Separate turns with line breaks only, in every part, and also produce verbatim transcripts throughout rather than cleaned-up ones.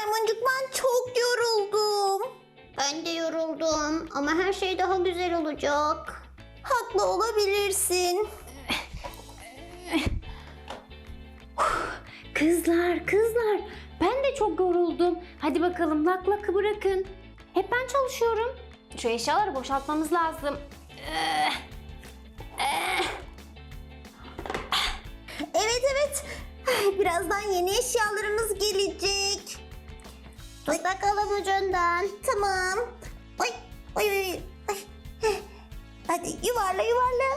Maymuncuk, ben çok yoruldum.
Ben de yoruldum ama her şey daha güzel olacak.
Haklı olabilirsin.
Kızlar, kızlar. Ben de çok yoruldum. Hadi bakalım lak lakı bırakın. Hep ben çalışıyorum. Şu eşyaları boşaltmamız lazım.
Evet evet. Birazdan yeni eşyalarımız gelecek.
Tut bakalım ucundan.
Tamam. Oy oy oy. Ay. Heh. Hadi yuvarla yuvarla.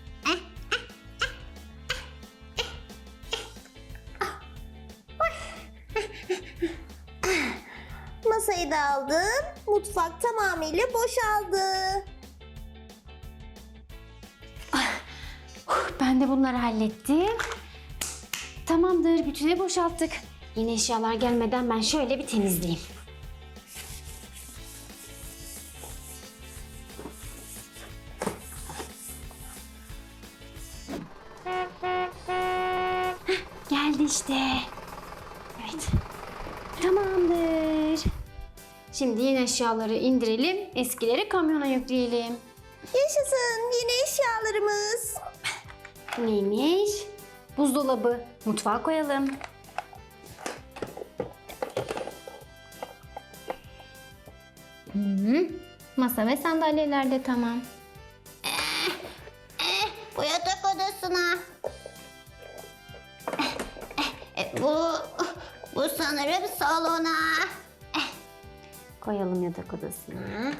Masayı da aldım. Mutfak tamamıyla boşaldı.
Ben de bunları hallettim. Tamamdır, bütüne boşalttık. Yeni eşyalar gelmeden ben şöyle bir temizleyeyim. Heh, geldi işte. Evet. Tamamdır. Şimdi yeni eşyaları indirelim, eskileri kamyona yükleyelim.
Yaşasın yeni eşyalarımız.
Neymiş? Buzdolabı. Mutfağa koyalım. Hı-hı. Masa ve sandalyeler de tamam.
Bu yatak odasına. E, bu, bu sanırım salona.
Koyalım yatak odasına.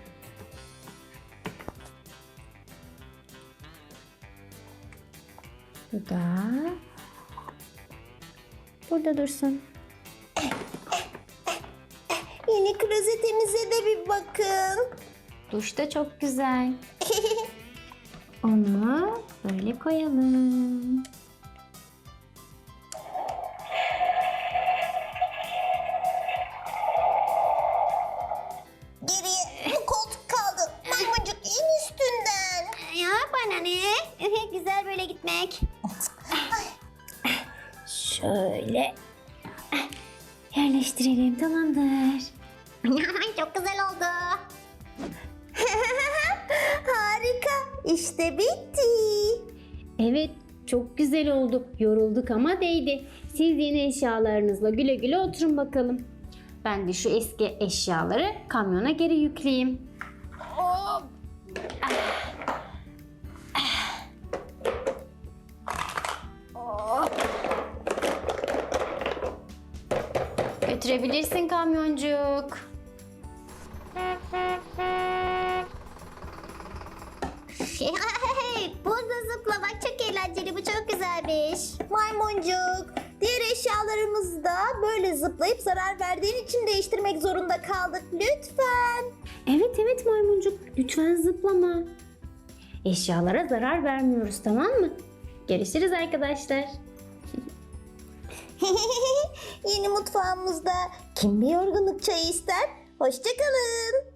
Bu da burada dursun.
Yeni klozetimize de bir bakın.
Duş da çok güzel. Onu böyle koyalım.
Geriye bu koltuk kaldı. Maymuncuk in üstünden.
Ya bana ne? Güzel böyle gitmek.
Şöyle yerleştirelim, tamamdır.
Çok güzel oldu.
Harika. İşte bitti.
Evet, çok güzel oldu. Yorulduk ama değdi. Siz yeni eşyalarınızla güle güle oturun bakalım. Ben de şu eski eşyaları kamyona geri yükleyeyim. Götürebilirsin kamyoncuk.
Burada zıplamak çok eğlenceli. Bu çok güzelmiş.
Maymuncuk, diğer eşyalarımızı da böyle zıplayıp zarar verdiğin için değiştirmek zorunda kaldık. Lütfen.
Evet evet maymuncuk, lütfen zıplama. Eşyalara zarar vermiyoruz, tamam mı? Görüşürüz arkadaşlar.
Yeni mutfağımızda kim bir yorgunluk çayı ister? Hoşça kalın.